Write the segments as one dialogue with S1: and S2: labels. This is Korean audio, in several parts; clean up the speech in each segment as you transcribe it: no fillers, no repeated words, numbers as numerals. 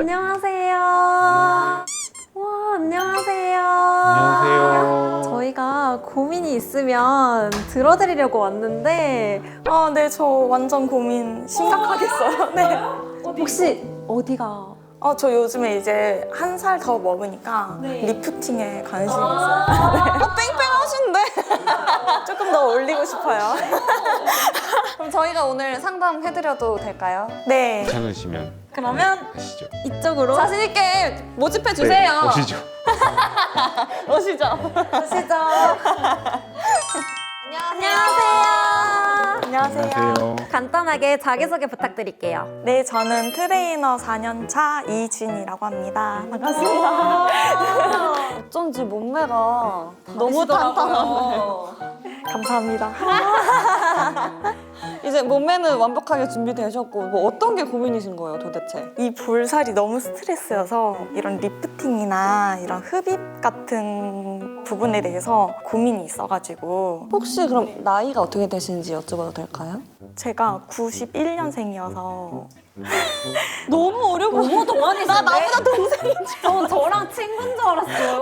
S1: 안녕하세요. 와, 안녕하세요.
S2: 안녕하세요.
S1: 저희가 고민이 있으면 들어드리려고 왔는데
S3: 아, 네, 저 완전 고민 심각하겠어요. 네.
S1: 혹시 어디가?
S3: 저 요즘에 이제 1살 더 먹으니까
S1: 네.
S3: 리프팅에 관심이 있어요. 뺑뺑하신데? 조금 더 올리고 싶어요.
S4: 그럼 저희가 오늘 상담해드려도 될까요?
S3: 네.
S2: 괜찮으시면
S1: 그러면
S2: 가시죠.
S1: 이쪽으로
S4: 자신 있게 모집해 주세요.
S2: 네, 오시죠.
S4: 오시죠.
S1: 오시죠.
S4: 안녕하세요.
S3: 안녕하세요.
S2: 안녕하세요.
S1: 간단하게 자기소개 부탁드릴게요.
S3: 네, 저는 트레이너 4년차 이진이라고 합니다. 반갑습니다.
S4: 어쩐지 몸매가 너무 탄탄하네요.
S3: 감사합니다.
S4: 이제 몸매는 완벽하게 준비되셨고 뭐 어떤 게 고민이신 거예요 도대체?
S3: 이 볼살이 너무 스트레스여서 이런 리프팅이나 이런 흡입 같은 부분에 대해서 고민이 있어가지고
S4: 혹시 그럼 나이가 어떻게 되시는지 여쭤봐도 될까요?
S3: 제가 91년생이어서
S4: 너무 어려 보여.
S1: 너무 동안이신데?
S4: 나 나보다 동생인 줄.
S1: 저랑 친구인 줄 알았어요.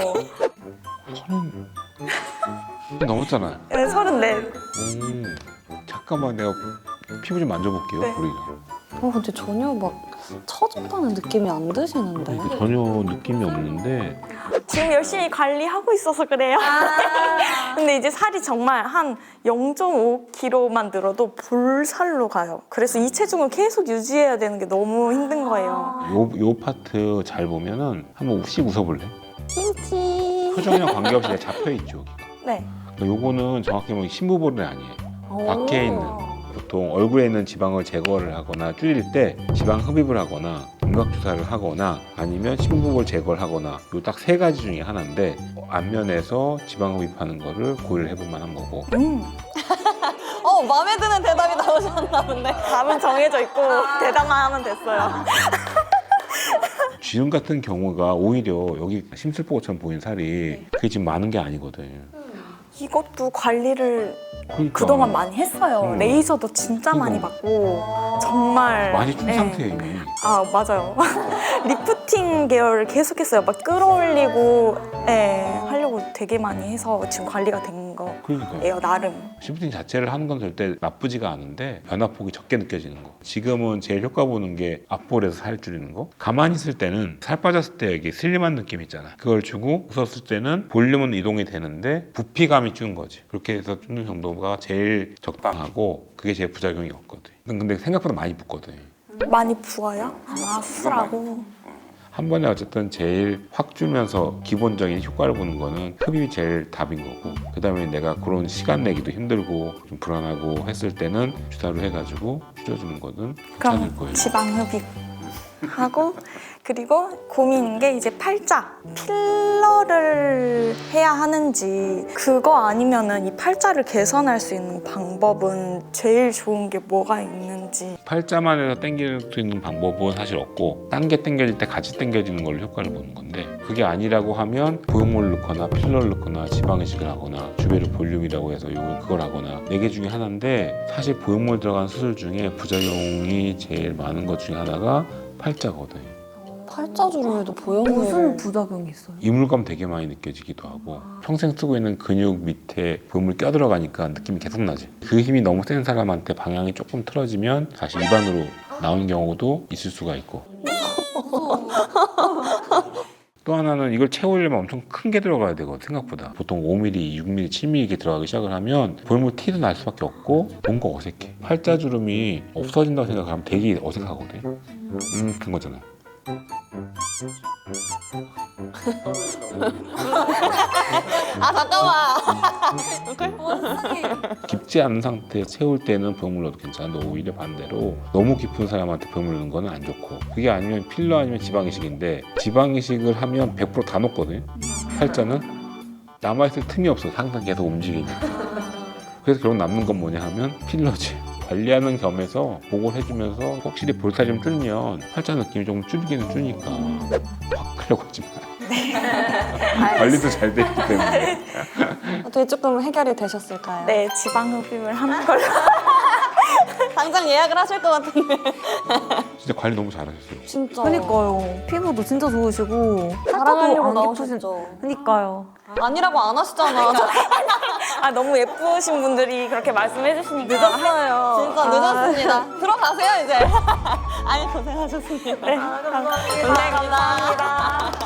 S2: 넘었잖아요.
S3: 네, 34.
S2: 잠깐만 내가 피부 좀 만져볼게요.
S3: 네.
S2: 우리가.
S4: 근데 전혀 막 처졌다는 느낌이 안 드시는데.
S2: 이게 전혀 느낌이 없는데
S3: 지금 열심히 관리하고 있어서 그래요. 근데 이제 살이 정말 한 0.5kg만 늘어도 볼살로 가요. 그래서 이 체중을 계속 유지해야 되는 게 너무 힘든 거예요.
S2: 요 파트 잘 보면은 한번 씩 웃어볼래?
S4: 김치.
S2: 표정이랑 관계없이 내가 잡혀있죠. 여기가.
S3: 네.
S2: 그러니까 요거는 정확히 보면 심부볼은 아니에요. 밖에 있는 보통 얼굴에 있는 지방을 제거를 하거나 줄일 때 지방 흡입을 하거나 윤곽 주사를 하거나 아니면 심부볼 제거를 하거나 요 딱 세 가지 중에 하나인데 안면에서 지방 흡입하는 거를 고려를 해볼 만한 거고
S4: 마음에 드는 대답이 나오셨나 본데.
S3: 답은 정해져 있고 대답만 하면 됐어요.
S2: 쥐음 같은 경우가 오히려 여기 심술보고처럼 보이는 살이 그게 지금 많은 게 아니거든.
S3: 이것도 관리를
S2: 그러니까
S3: 그동안 많이 했어요. 레이저도 진짜 많이
S2: 이거.
S3: 받고 정말
S2: 많이 준
S3: 네.
S2: 상태예요 이미.
S3: 아, 맞아요. 리프팅 계열을 계속했어요. 막 끌어올리고 하려고 되게 많이 해서 지금 관리가 된 거예요,
S2: 그러니까
S3: 나름.
S2: 심부팅 자체를 하는 건 절대 나쁘지가 않은데 변화폭이 적게 느껴지는 거. 지금은 제일 효과 보는 게 앞볼에서 살 줄이는 거. 가만히 있을 때는 살 빠졌을 때 여기 슬림한 느낌 있잖아. 그걸 주고 웃었을 때는 볼륨은 이동이 되는데 부피감이 주는 거지. 그렇게 해서 주는 정도가 제일 적당하고 그게 제일 부작용이 없거든. 근데 생각보다 많이 붓거든.
S3: 많이 부어요? 아, 수라고.
S2: 한 번에 어쨌든 제일 확 주면서 기본적인 효과를 보는 거는 흡입이 제일 답인 거고 그 다음에 내가 그런 시간 내기도 힘들고 좀 불안하고 했을 때는 주사로 해가지고 줄여주는 거는 괜찮을
S3: 그럼
S2: 거예요.
S3: 지방 흡입 하고 그리고 고민인 게 이제 팔자 필러를 해야 하는지 그거 아니면은 이 팔자를 개선할 수 있는 방법은 제일 좋은 게 뭐가 있는지.
S2: 팔자만 해서 당길 수 있는 방법은 사실 없고 딴 게 당겨질 때 같이 당겨지는 걸로 효과를 보는 건데 그게 아니라고 하면 보형물을 넣거나 필러를 넣거나 지방 이식을 하거나 주베르 볼륨이라고 해서 그걸 하거나 4개 중에 하나인데 사실 보형물 들어간 수술 중에 부작용이 제일 많은 것 중에 하나가 팔자거든.
S4: 팔자주름에도 보형물.
S1: 무슨 부작용이 있어요?
S2: 이물감 되게 많이 느껴지기도 하고 평생 쓰고 있는 근육 밑에 보형물 껴들어가니까 느낌이 계속 나지. 그 힘이 너무 센 사람한테 방향이 조금 틀어지면 사실 입안으로 나오는 경우도 있을 수가 있고 또 하나는 이걸 채우려면 엄청 큰 게 들어가야 되거든. 생각보다 보통 5mm, 6mm, 7mm 이렇게 들어가기 시작을 하면 보형물 티도 날 수밖에 없고 뭔가 어색해. 팔자주름이 없어진다고 생각하면 되게 어색하거든. 그런 거잖아.
S4: 아 잠깐만.
S2: 깊지 않은 상태에 채울 때는 보형물 넣어도 괜찮은데 오히려 반대로 너무 깊은 사람한테 보형물 넣는 거는 안 좋고 그게 아니면 필러 아니면 지방 이식인데 지방 이식을 하면 100%다 녹거든요. 팔자는 남아있을 틈이 없어. 항상 계속 움직이니까. 그래서 결국 남는 건 뭐냐 하면 필러지. 관리하는 겸해서 보고를 해주면서 확실히 볼살이 좀 줄면 팔자 느낌이 조금 줄기는 줄니까 확 하려고 하지 마. 관리도 잘 되기 때문에.
S4: 어떻게 조금 해결이 되셨을까요?
S3: 네, 지방 흡입을 하는 걸로.
S4: 당장 예약을 하실 것 같은데.
S2: 진짜 관리 너무 잘하셨어요.
S4: 진짜.
S1: 그니까요. 피부도 진짜 좋으시고
S4: 자랑하려고
S1: 안 깊으신.
S4: 나오셨죠.
S1: 그니까요.
S4: 아니라고 안 하시잖아.
S3: 아 너무 예쁘신 분들이 그렇게 말씀해 주시니까
S1: 늦었어요.
S4: 진짜 늦었습니다. 들어가세요 이제. 아니 고생하셨습니다.
S3: 네, 감사합니다.